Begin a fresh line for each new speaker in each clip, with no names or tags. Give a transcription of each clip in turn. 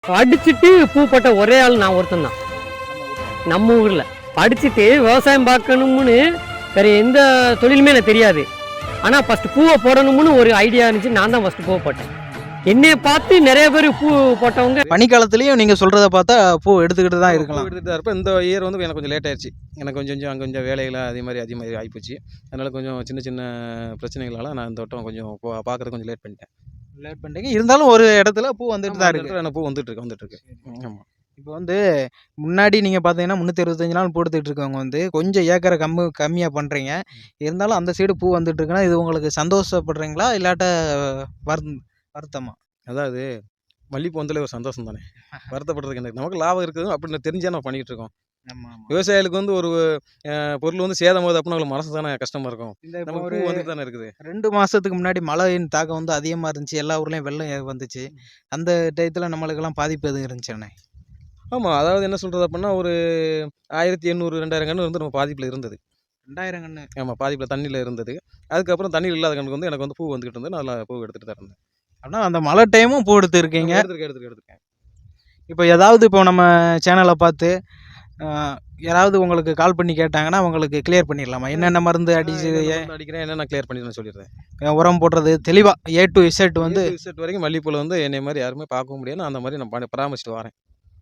படிச்சுட்டு பூ போட்ட ஒரே ஆள் நான் ஒருத்தன் தான் நம்ம ஊரில். படிச்சுட்டு விவசாயம் பார்க்கணும்னு வேற எந்த தொழிலுமே எனக்கு தெரியாது. ஆனால் ஃபஸ்ட்டு பூவை போடணும்னு ஒரு ஐடியா இருந்துச்சு. நான் தான் ஃபஸ்ட்டு பூவை போட்டேன். என்னைய பார்த்து நிறைய பேர் பூ போட்டவங்க.
பனிக்காலத்துலேயும் நீங்கள் சொல்கிறத பார்த்தா பூ எடுத்துக்கிட்டு தான் இருக்கலாம்.
எடுத்துகிட்டு தான் இருப்பேன். இந்த இயர் வந்து எனக்கு கொஞ்சம் லேட் ஆயிடுச்சு. எனக்கு கொஞ்சம் அங்கே கொஞ்சம் வேலைகளை அதிகமாக ஆகிப்போச்சு. அதனால் கொஞ்சம் சின்ன சின்ன பிரச்சனைகளால் நான் இந்த வட்டம் கொஞ்சம் பார்க்குறது கொஞ்சம் லேட் பண்ணிட்டேன்.
லேட் பண்ணிட்டீங்க. இருந்தாலும் ஒரு இடத்துல பூ வந்துட்டு தான் இருக்குது.
எனக்கு பூ வந்துட்டுருக்கு. ஆமாம்.
இப்போ வந்து முன்னாடி நீங்கள் பார்த்தீங்கன்னா 365 நாள் பூ எடுத்துகிட்டு இருக்கவங்க வந்து கொஞ்சம் ஏக்கரை கம்மியாக பண்ணுறீங்க. இருந்தாலும் அந்த சைடு பூ வந்துட்டு இருக்குன்னா இது உங்களுக்கு சந்தோஷப்படுறீங்களா இல்லாட்ட வருத்தமா?
அதாவது மல்லிகைப்பூ வந்தாலே ஒரு சந்தோஷம் தானே. வருத்தப்படுறதுக்கு எனக்கு நமக்கு லாபம் இருக்குது அப்படின்னு தெரிஞ்சால் நம்ம பண்ணிகிட்டு இருக்கோம். விவசாயிகளுக்கு வந்து ஒரு பொருள் வந்து சேதம் போது அப்படின்னு அவங்களுக்கு மனசு தானே கஷ்டமாக இருக்கும்.
இந்த
ஒரு வந்துட்டு தானே இருக்குது.
2 மாதத்துக்கு முன்னாடி மழையின் தாக்கம் வந்து அதிகமாக இருந்துச்சு. எல்லா ஊர்லேயும் வெள்ளம் வந்துச்சு. அந்த டயத்தில் நம்மளுக்கெல்லாம் பாதிப்பு எதுவும் இருந்துச்சுண்ணே?
ஆமாம். அதாவது என்ன சொல்கிறது அப்படின்னா ஒரு 1800 2000 கன்று வந்து நம்ம பாதிப்பில் இருந்தது.
2000 கன்று?
ஆமாம், பாதிப்பில் தண்ணியில் இருந்தது. அதுக்கப்புறம் தண்ணியில் இல்லாத கண்ணுக்கு வந்து எனக்கு வந்து பூ வந்துக்கிட்டு இருந்தது. நான் அதில் பூ எடுத்துகிட்டு தான் இருந்தேன்.
ஆனால் அந்த மழை டைமும் பூ எடுத்துருக்கீங்க?
எடுத்துருக்கேன்.
இப்போ ஏதாவது இப்போ நம்ம சேனலை பார்த்து யாராவது உங்களுக்கு கால் பண்ணி கேட்டாங்கன்னா உங்களுக்கு கிளியர் பண்ணிடலாமா? என்னென்ன மருந்து
அடிக்கிறேன் என்னென்ன கிளியர் பண்ணி சொல்லிடுறேன்.
உரம் போடுறது தெளிவாக A to Z வந்து
Z வரைக்கும் மல்லிகைப்பூவில் வந்து என்னை மாதிரி யாருமே பார்க்கவும் முடியாது. அந்த மாதிரி நான் பராமரிச்சுட்டு வரேன்.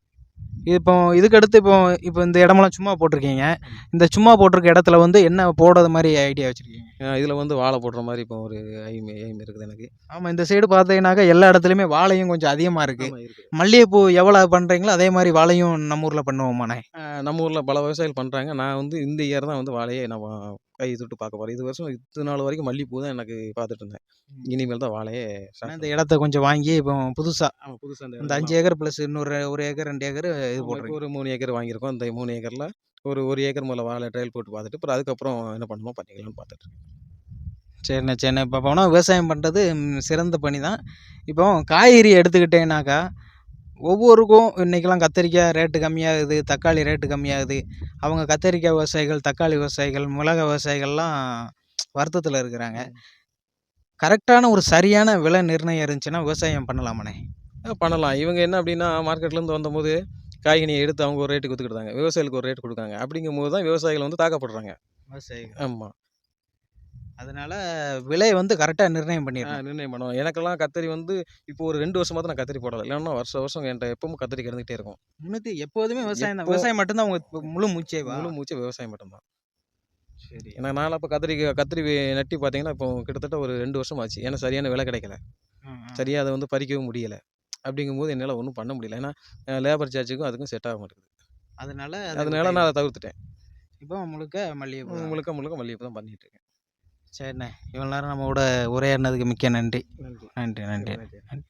இப்போ இதுக்கடுத்து இப்போ இந்த இடமெல்லாம் சும்மா போட்டிருக்கீங்க. இந்த சும்மா போட்டிருக்க இடத்துல வந்து என்ன போடுறது மாதிரி ஐடியா வச்சுருக்கீங்க?
இதில் வந்து வாழை போடுற மாதிரி இப்போ ஒரு எய்ம் இருக்குது எனக்கு.
ஆமாம், இந்த சைடு பார்த்தீங்கன்னாக்கா எல்லா இடத்துலையுமே வாழையும் கொஞ்சம் அதிகமாக இருக்குது. மல்லிகைப்பூ எவ்வளோ பண்ணுறீங்களோ அதே மாதிரி வாழையும் நம்ம ஊரில் பண்ணுவோமாண்ணே?
நம்ம ஊரில் பல விவசாயிகள் பண்ணுறாங்க. நான் வந்து இந்த இயர் தான் வந்து வாழையை நான் கை தொட்டு பார்க்க போகிறேன். இது வருஷம் இத்தனை நாள் வரைக்கும் மல்லிகைப்பூ தான் எனக்கு பார்த்துட்டு இருந்தேன். இனிமேல் தான் வாழையே.
இந்த இடத்த கொஞ்சம் வாங்கி இப்போ புதுசாக இந்த 5 ஏக்கர் ப்ளஸ் இன்னொரு 1 ஏக்கர் 2 ஏக்கர் இது போடுறோம்.
ஒரு 3 ஏக்கர் வாங்கியிருக்கோம். இந்த 3 ஏக்கரில் ஒரு ஏக்கர் முதல்ல வாழை ட்ரையல் போட்டு பார்த்துட்டு அப்புறம் அதுக்கப்புறம் என்ன பண்ணணுமோ பண்ணிக்கலாம்னு பார்த்துட்ருக்கேன்.
சரிண்ணே. இப்போ போனால் விவசாயம் பண்ணுறது சிறந்த பணி தான். இப்போ காய்கறி எடுத்துக்கிட்டேன்னாக்கா ஒவ்வொருக்கும் இன்றைக்கெல்லாம் கத்திரிக்காய் ரேட்டு கம்மியாகுது, தக்காளி ரேட்டு கம்மியாகுது. அவங்க கத்திரிக்காய் விவசாயிகள், தக்காளி விவசாயிகள், மிளகாய் விவசாயிகள்லாம் வருத்தத்தில் இருக்கிறாங்க. கரெக்டான ஒரு சரியான விலை நிர்ணயம் இருந்துச்சுன்னா விவசாயம் பண்ணலாமாண்ணே?
பண்ணலாம். இவங்க என்ன அப்படின்னா மார்க்கெட்லேருந்து வந்தபோது காய்கனியை எடுத்து அவங்க ஒரு ரேட்டுக்கு விற்றுக்கிட்டாங்க. விவசாயிகளுக்கு ஒரு ரேட் கொடுக்காங்க. அப்படிங்கும்போது தான் விவசாயிகள் வந்து தாக்கப்படுறாங்க.
விவசாயிகள்.
ஆமாம்.
அதனால் விலை வந்து கரெக்டாக நிர்ணயம்
பண்ணுவோம். எனக்கெல்லாம் கத்திரி வந்து இப்போ ஒரு 2 வருஷமாக தான் நான் கத்திரி போடலை. இல்லைன்னா வருஷம் என்கிட்ட எப்பவும் கத்திரி கிடந்துகிட்டே இருக்கும்.
முன்னூற்றி எப்போதுமே விவசாயம் தான். விவசாயம் மட்டும்தான் அவங்க முழு மூச்சே
விவசாயம் மட்டும்தான். சரி. ஏன்னா நான் அப்போ கத்திரி நட்டி பார்த்தீங்கன்னா இப்போ கிட்டத்தட்ட ஒரு 2 வருஷம் ஆச்சு. ஏன்னா சரியான விலை கிடைக்கல. சரியாக அதை வந்து பறிக்கவும் முடியலை. அப்படிங்கும்போது என்னால் ஒன்றும் பண்ண முடியல. ஏன்னா லேபர் சார்ஜுக்கும் அதுக்கும் செட் ஆக மாட்டேங்குது. அதனால நான் அதை தவிர்த்துட்டேன்.
இப்போ முழுக்க
மல்லிகைப்பூ தான் பண்ணிகிட்டு இருக்கேன்.
சரிண்ணே, இவ்வளோ நேரம் நம்ம கூட உரையாடினதுக்கு மிக்க நன்றி. நன்றி.